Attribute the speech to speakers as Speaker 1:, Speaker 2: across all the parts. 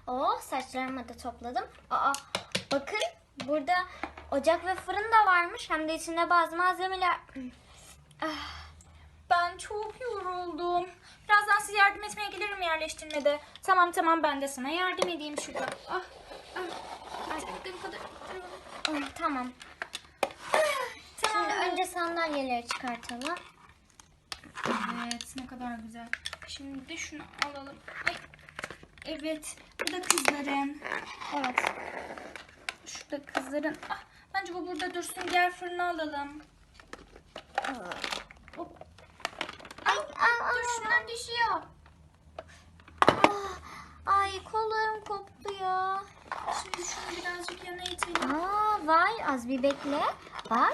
Speaker 1: Oh, saçlarımı da topladım. Aa, bakın burada ocak ve fırın da varmış. Hem de içinde bazı malzemeler.
Speaker 2: Ben çok yoruldum. Birazdan size yardım etmeye gelirim yerleştirmede. Tamam ben de sana yardım edeyim şurada. Artık bu kadar.
Speaker 1: Tamam.
Speaker 2: Tamam.
Speaker 1: Şimdi önce sandalyeleri çıkartalım.
Speaker 2: Evet, ne kadar güzel. Şimdi de şunu alalım. Ay. Evet, bu da kızların.
Speaker 1: Evet.
Speaker 2: Şurada kızların. Bence bu burada dursun. Gel fırına alalım. Hop. Dur, şundan düşüyor.
Speaker 1: Ay, kolum koptu ya.
Speaker 2: Şimdi şunu birazcık yana itelim.
Speaker 1: Vay, az bir bekle. Bak.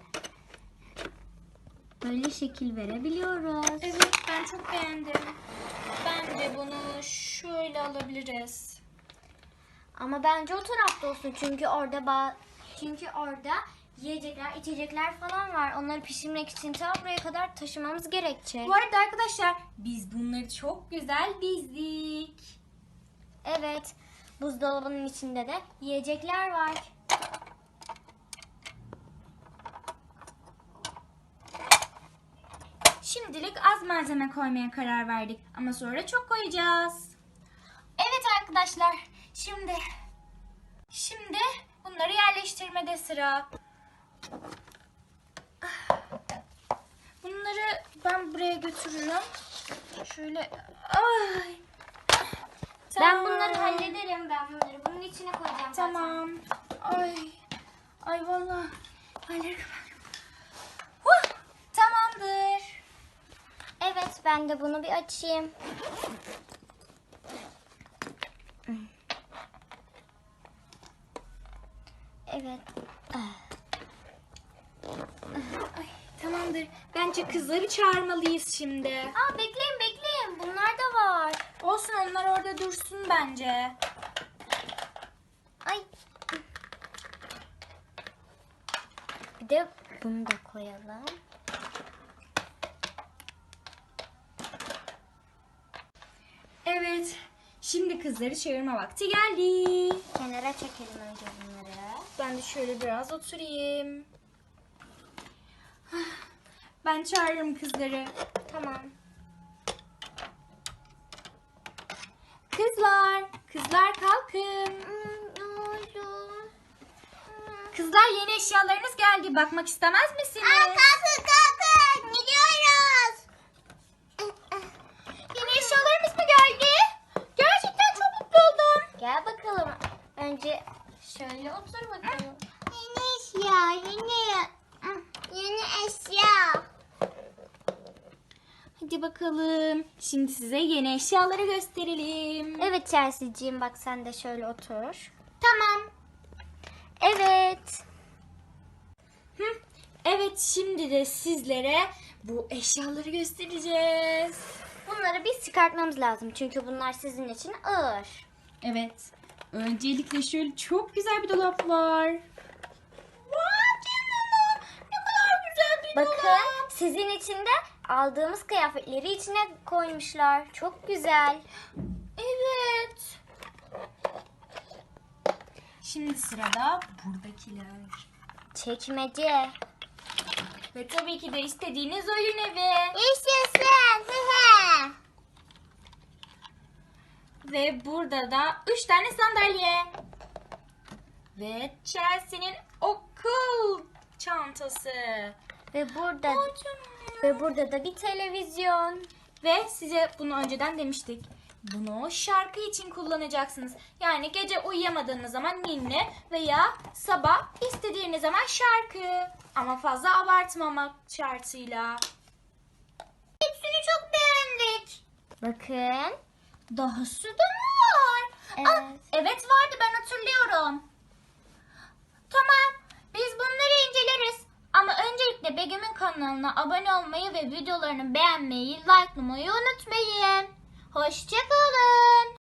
Speaker 1: Böyle şekil verebiliyoruz.
Speaker 2: Evet, ben çok beğendim. Bence bunu şöyle alabiliriz.
Speaker 1: Ama bence o tarafta olsun çünkü orada yiyecekler, içecekler falan var. Onları pişirmek için ta buraya kadar taşımamız gerekecek.
Speaker 2: Bu arada arkadaşlar, biz bunları çok güzel dizdik.
Speaker 1: Evet, buzdolabının içinde de yiyecekler var.
Speaker 2: Şimdilik az malzeme koymaya karar verdik ama sonra çok koyacağız. Evet arkadaşlar, şimdi bunları yerleştirmede sıra. Bunları ben buraya götürürüm. Şöyle. Ay.
Speaker 1: Ben bunları hallederim. Ben bunları bunun içine koyacağım zaten.
Speaker 2: Tamam. Ay vallahi. Tamamdır.
Speaker 1: Evet, ben de bunu bir açayım. Evet.
Speaker 2: Ay, tamamdır. Bence kızları çağırmalıyız şimdi.
Speaker 1: Bekleyin. Bunlar da var.
Speaker 2: Olsun, onlar orada dursun bence.
Speaker 1: Ay. Bir de bunu da koyalım.
Speaker 2: Evet. Şimdi kızları çağırma vakti geldi.
Speaker 1: Kenara çekelim önce bunları.
Speaker 2: Ben de şöyle biraz oturayım. Ben çağırırım kızları.
Speaker 1: Tamam.
Speaker 2: Kızlar kalkın.
Speaker 1: Ne oldu?
Speaker 2: Kızlar, yeni eşyalarınız geldi. Bakmak istemez misiniz?
Speaker 1: Kalkın. Gidiyoruz.
Speaker 2: Yeni eşyalarımız mı geldi? Gerçekten çok mutlu oldum.
Speaker 1: Gel bakalım. Önce şöyle otur bakalım. Yeni eşya.
Speaker 2: Hadi bakalım. Şimdi size yeni eşyaları gösterelim.
Speaker 1: Evet Chelsea'ciğim, bak sen de şöyle otur.
Speaker 2: Tamam.
Speaker 1: Evet.
Speaker 2: Evet, şimdi de sizlere bu eşyaları göstereceğiz.
Speaker 1: Bunları biz çıkartmamız lazım çünkü bunlar sizin için ağır.
Speaker 2: Evet. Öncelikle şöyle çok güzel bir dolap var. Vay canına! Ne kadar güzel bir
Speaker 1: Bakın,
Speaker 2: dolap.
Speaker 1: sizin için de aldığımız kıyafetleri içine koymuşlar. Çok güzel.
Speaker 2: Evet. Şimdi sırada buradakiler.
Speaker 1: Çekmece.
Speaker 2: Ve tabii ki de istediğiniz oyun evi.
Speaker 1: Yaşasın.
Speaker 2: Ve burada da 3 tane sandalye. Ve Chelsea'nin okul çantası.
Speaker 1: Ve burada da bir televizyon.
Speaker 2: Ve size bunu önceden demiştik. Bunu şarkı için kullanacaksınız. Yani gece uyuyamadığınız zaman ninni veya sabah istediğiniz zaman şarkı. Ama fazla abartmamak şartıyla. Hepsini çok beğendik.
Speaker 1: Bakın.
Speaker 2: Dahası da mı var?
Speaker 1: Evet.
Speaker 2: Evet vardı, ben hatırlıyorum. Tamam, biz bunları inceleriz. Ama öncelikle Begüm'ün kanalına abone olmayı ve videolarını beğenmeyi, likelamayı unutmayın. Hoşçakalın.